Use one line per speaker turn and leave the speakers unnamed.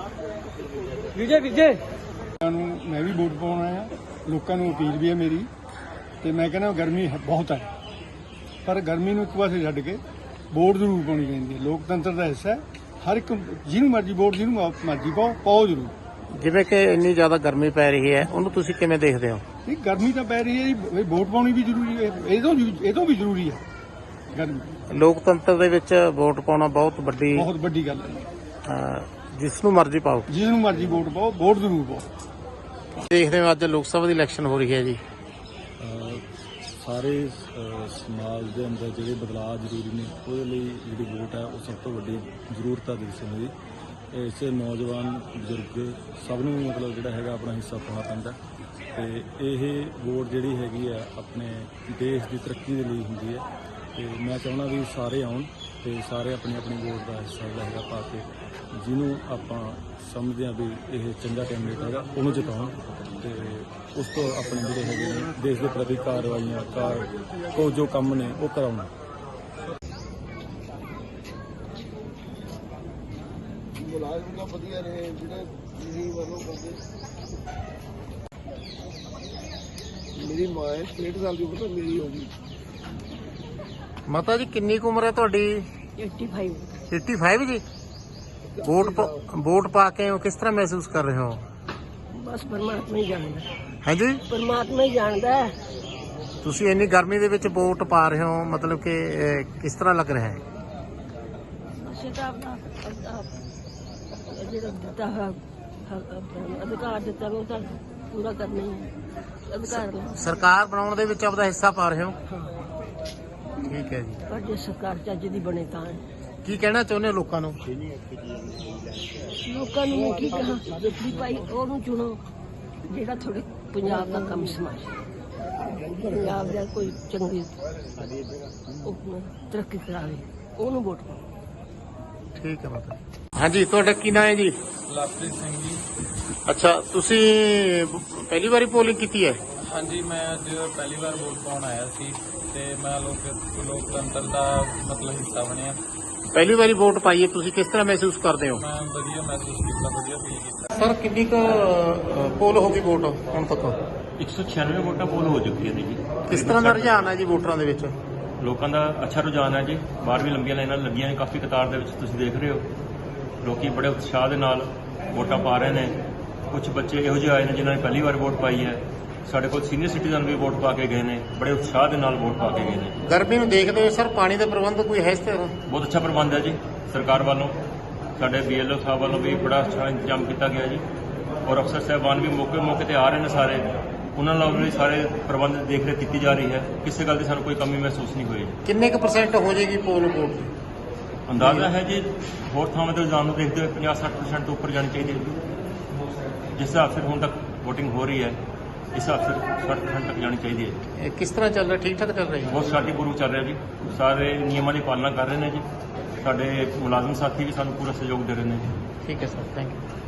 विजय विजय
मैं भी वोट पाउण आया। लोगों को अपील भी है मेरी तो मैं कहना गर्मी बहुत है पर गर्मी एक पासे छड्ड के वोट जरूर पानी चाहिए। लोकतंत्र का हिस्सा है। हर एक जिन्होंने मर्जी वोट जिन्होंने मर्जी पाओ जरूर।
ਜਿਵੇਂ ਕਿ ਇੰਨੀ ਜ਼ਿਆਦਾ ਗਰਮੀ ਪੈ ਰਹੀ ਹੈ ਉਹਨੂੰ ਤੁਸੀਂ ਕਿਵੇਂ ਦੇਖਦੇ ਹੋ?
नहीं गर्मी तो पै रही है जी, वोट पानी भी जरूरी है। ये तो भी जरूरी है। गर्मी
ਲੋਕਤੰਤਰ ਦੇ ਵਿੱਚ ਵੋਟ ਪਾਉਣਾ ਬਹੁਤ ਵੱਡੀ
बहुत बड़ी गल है।
ਜਿਸ ਨੂੰ ਮਰਜ਼ੀ ਪਾਓ।
जिन्होंने मर्जी वोट पाओ वोट जरूर पाओ।
ਦੇਖਦੇ ਹੋ ਅੱਜ ਲੋਕ ਸਭਾ ਦੀ ਇਲੈਕਸ਼ਨ ਹੋ ਰਹੀ ਹੈ ਜੀ।
ਸਾਰੇ ਸਮਾਜ ਦੇ ਅੰਦਰ ਜਿਹੜੇ ਬਦਲਾਅ ਜ਼ਰੂਰੀ ਨੇ ਉਹਦੇ ਲਈ ਜਿਹੜੀ ਵੋਟ ਹੈ ਉਹ ਸਭ ਤੋਂ ਵੱਡੀ ਜ਼ਰੂਰਤ ਹੈ ਦੇਸ਼ ਦੀ। ਇਸੇ ਨੌਜਵਾਨ ਬਜ਼ੁਰਗ ਸਭ ਨੂੰ ਮਤਲਬ ਜਿਹੜਾ ਹੈਗਾ ਆਪਣਾ ਹਿੱਸਾ ਪਾਉਣਾ ਪੈਂਦਾ ਤੇ ਇਹ ਵੋਟ ਜਿਹੜੀ ਹੈਗੀ ਆ ਆਪਣੇ ਦੇਸ਼ ਦੀ ਤਰੱਕੀ ਦੇ ਲਈ ਹੁੰਦੀ ਹੈ ਤੇ ਮੈਂ ਚਾਹੁੰਦਾ ਵੀ ਸਾਰੇ ਆਉਣ ਤੇ ਸਾਰੇ ਆਪਣੀ ਆਪਣੀ ਵੋਟ ਦਾ ਹਿੱਸਾ ਜਿਹੜਾ ਹੈਗਾ ਪਾ ਕੇ ਜਿਹਨੂੰ ਆਪਾਂ ਸਮਝਦੇ ਹਾਂ ਵੀ ਇਹ ਚੰਗਾ ਕੈਂਡੀਡੇਟ ਹੈਗਾ ਉਹਨੂੰ ਜਿਤਾਉਣ ਤੇ ਉਸ ਤੋਂ ਆਪਣੇ ਜਿਹੜੇ ਹੈਗੇ ਨੇ ਦੇਸ਼ ਦੇ ਪ੍ਰਤੀ ਕਾਰਵਾਈਆਂ ਜੋ ਕੰਮ ਨੇ ਉਹ ਕਰਾਉਣ।
ਮੁਲਾਜ਼ਮ ਦਾ ਵਧੀਆ ਰਹੇ ਜਿਹੜੇ ਮੇਰੀ ਵੱਲੋਂ ਕਰਦੇ। ਮੇਰੀ ਮਾਂ 63 ਸਾਲ ਦੀ ਉਮਰ ਮੇਰੀ ਹੋ ਗਈ।
ਮਾਤਾ ਜੀ ਕਿੰਨੀ ਕੁ ਉਮਰ ਹੈ ਤੁਹਾਡੀ?
85
ਜੀ। ਵੋਟ ਪਾ ਕੇ ਕਿਸ ਤਰ੍ਹਾਂ ਮਹਿਸੂਸ ਕਰ ਰਹੇ ਹੋ?
ਬਸ ਪਰਮਾਤਮਾ ਹੀ ਜਾਣਦਾ।
ਹੈ ਜੀ
ਪਰਮਾਤਮਾ ਹੀ ਜਾਣਦਾ।
ਤੁਸੀਂ ਇੰਨੀ ਗਰਮੀ ਦੇ ਵਿੱਚ ਵੋਟ ਪਾ ਰਹੇ ਹੋ ਮਤਲਬ ਕਿ ਕਿਸ ਤਰ੍ਹਾਂ ਲੱਗ ਰਿਹਾ ਹੈ?
ਅਸੀਂ ਤਾਂ ਆਪਣਾ ਜਿਹੜਾ ਦਿੱਤਾ ਅਧਿਕਾਰ ਦਿੱਤਾ ਉਹ ਤਾਂ ਪੂਰਾ ਕਰਨਾ ਹੀ ਹੈ। ਅਧਿਕਾਰ ਨਾਲ
ਸਰਕਾਰ ਬਣਾਉਣ ਦੇ ਵਿੱਚ ਆਪਦਾ ਹਿੱਸਾ ਪਾ ਰਹੇ ਹੋ? ਠੀਕ ਹੈ ਜੀ।
ਪਰ ਜੇ ਸਰਕਾਰ ਚੱਜ ਦੀ ਬਣੇ ਤਾਂ
ਕੀ ਕਹਿਣਾ ਚਾਹੁੰਦੇ ਹੋ ਲੋਕਾਂ ਨੂੰ?
ਲੋਕਾਂ ਨੂੰ ਮੈਂ ਕੀ ਕਹਾਂ ਵੀ ਭਾਈ ਉਹਨੂੰ ਚੁਣੋ ਜਿਹੜਾ ਤੁਹਾਡੇ ਪੰਜਾਬ ਦਾ ਕੰਮ ਸਮਾਜ ਪੰਜਾਬ ਦਾ ਕੋਈ ਚੰਗੀ ਤਰੱਕੀ ਕਰਾਵੇ ਉਹਨੂੰ ਵੋਟ ਪਾਓ।
ਠੀਕ ਹੈ ਮਾਤਾ। ਹਾਂਜੀ ਤੁਹਾਡਾ ਕੀ ਨਾਮ ਹੈ ਜੀ?
ਲਵਪ੍ਰੀਤ ਸਿੰਘ ਜੀ।
ਅੱਛਾ ਤੁਸੀਂ ਪਹਿਲੀ ਵਾਰੀ ਪੋਲਿੰਗ ਕੀਤੀ ਹੈ?
ਹਾਂਜੀ ਮੈਂ ਅੱਜ ਪਹਿਲੀ ਵਾਰ ਵੋਟ ਪਾਉਣ ਆਇਆ ਸੀ ਤੇ ਮੈਂ ਲੋਕਤੰਤਰ ਦਾ ਮਤਲਬ ਹਿੱਸਾ ਬਣਿਆ।
ਪਹਿਲੀ ਵਾਰੀ ਵੋਟ ਪਾਈ ਹੈ ਤੁਸੀਂ ਕਿਸ ਤਰ੍ਹਾਂ ਮਹਿਸੂਸ ਕਰਦੇ ਹੋ?
ਮੈਂ ਵਧੀਆ ਮਹਿਸੂਸ ਕੀਤਾ, ਵਧੀਆ ਫੀਲ ਕੀਤਾ।
ਸਰ ਕਿੰਨੀ ਕੁ ਪੋਲ ਹੋ ਗਈ ਵੋਟ ਹੁਣ ਤੱਕ?
196 ਵੋਟਾਂ ਪੋਲ ਹੋ ਚੁੱਕੀਆਂ ਨੇ ਜੀ।
ਕਿਸ ਤਰ੍ਹਾਂ ਦਾ ਰੁਝਾਨ ਹੈ ਜੀ ਵੋਟਰਾਂ ਦੇ ਵਿੱਚ?
ਲੋਕਾਂ ਦਾ ਅੱਛਾ ਰੁਝਾਨ ਹੈ ਜੀ। ਬਾਹਰ ਵੀ ਲੰਬੀਆਂ ਲਾਈਨਾਂ ਲੱਗੀਆਂ ਨੇ ਕਾਫੀ ਕਤਾਰ ਦੇ ਵਿੱਚ ਤੁਸੀਂ ਦੇਖ ਰਹੇ ਹੋ। ਲੋਕੀ ਬੜੇ ਉਤਸ਼ਾਹ ਦੇ ਨਾਲ ਵੋਟਾਂ ਪਾ ਰਹੇ ਨੇ। ਕੁਝ ਬੱਚੇ ਇਹੋ ਜਿਹੇ ਆਏ ਨੇ ਜਿਨ੍ਹਾਂ ਨੇ ਪਹਿਲੀ ਵਾਰ ਵੋਟ ਪਾਈ ਹੈ। ਸਾਡੇ ਕੋਲ ਸੀਨੀਅਰ ਸਿਟੀਜ਼ਨ ਵੀ ਵੋਟ ਪਾ ਕੇ ਗਏ ਨੇ, ਬੜੇ ਉਤਸ਼ਾਹ ਦੇ ਨਾਲ ਵੋਟ ਪਾ ਕੇ ਗਏ ਨੇ।
ਗਰਮੀ ਨੂੰ ਦੇਖਦੇ ਹੋਏ ਸਰ ਪਾਣੀ ਦਾ ਪ੍ਰਬੰਧ ਕੋਈ ਹੈ ਇਸ ਤਰ੍ਹਾਂ?
ਬਹੁਤ ਅੱਛਾ ਪ੍ਰਬੰਧ ਹੈ ਜੀ ਸਰਕਾਰ ਵੱਲੋਂ। ਸਾਡੇ BLO ਸਾਹਿਬ ਵੱਲੋਂ ਵੀ ਬੜਾ ਅੱਛਾ ਇੰਤਜ਼ਾਮ ਕੀਤਾ ਗਿਆ ਜੀ ਔਰ ਅਫਸਰ ਸਾਹਿਬਾਨ ਵੀ ਮੌਕੇ ਤੇ ਆ ਰਹੇ ਨੇ ਸਾਰੇ। ਉਹਨਾਂ ਨਾਲ ਵੀ ਸਾਰੇ ਪ੍ਰਬੰਧ ਦੇਖ ਰੇਖ ਕੀਤੀ ਜਾ ਰਹੀ ਹੈ। ਕਿਸੇ ਗੱਲ ਦੀ ਸਾਨੂੰ ਕੋਈ ਕਮੀ ਮਹਿਸੂਸ ਨਹੀਂ ਹੋਈ।
ਕਿੰਨੇ ਕੁ % ਹੋ ਜਾਏਗੀ ਪੋਲ ਵੋਟ ਦੀ?
ਅੰਦਾਜ਼ਾ ਹੈ ਜੀ ਹੋਰ ਥਾਵਾਂ ਤੇ ਰੁਝਾਨ ਨੂੰ ਦੇਖਦੇ ਹੋਏ 50-60% ਤੋਂ ਉੱਪਰ ਜਾਣੀ ਚਾਹੀਦੀ ਹੈ। ਜਿਸ ਹਿਸਾਬ ਸਿਰ ਹੁਣ ਤੱਕ VOTING ਹੋ ਰਹੀ ਹੈ ਇਸ ਹਿਸਾਬ ਸਿਰ 60% ਤੱਕ ਜਾਣੀ ਚਾਹੀਦੀ ਹੈ।
ਇਹ ਕਿਸ ਤਰ੍ਹਾਂ ਚੱਲ ਰਿਹਾ? ਠੀਕ ਠਾਕ ਚੱਲ ਰਹੀ ਹੈ?
ਬਹੁਤ ਸ਼ਾਂਤੀਪੂਰਵਕ ਚੱਲ ਰਿਹਾ ਜੀ। ਸਾਰੇ ਨਿਯਮਾਂ ਦੀ ਪਾਲਣਾ ਕਰ ਰਹੇ ਨੇ ਜੀ। ਸਾਡੇ ਮੁਲਾਜ਼ਮ ਸਾਥੀ ਵੀ ਸਾਨੂੰ ਪੂਰਾ ਸਹਿਯੋਗ ਦੇ ਰਹੇ ਨੇ ਜੀ।
ਠੀਕ ਹੈ ਸਰ, ਥੈਂਕ ਯੂ।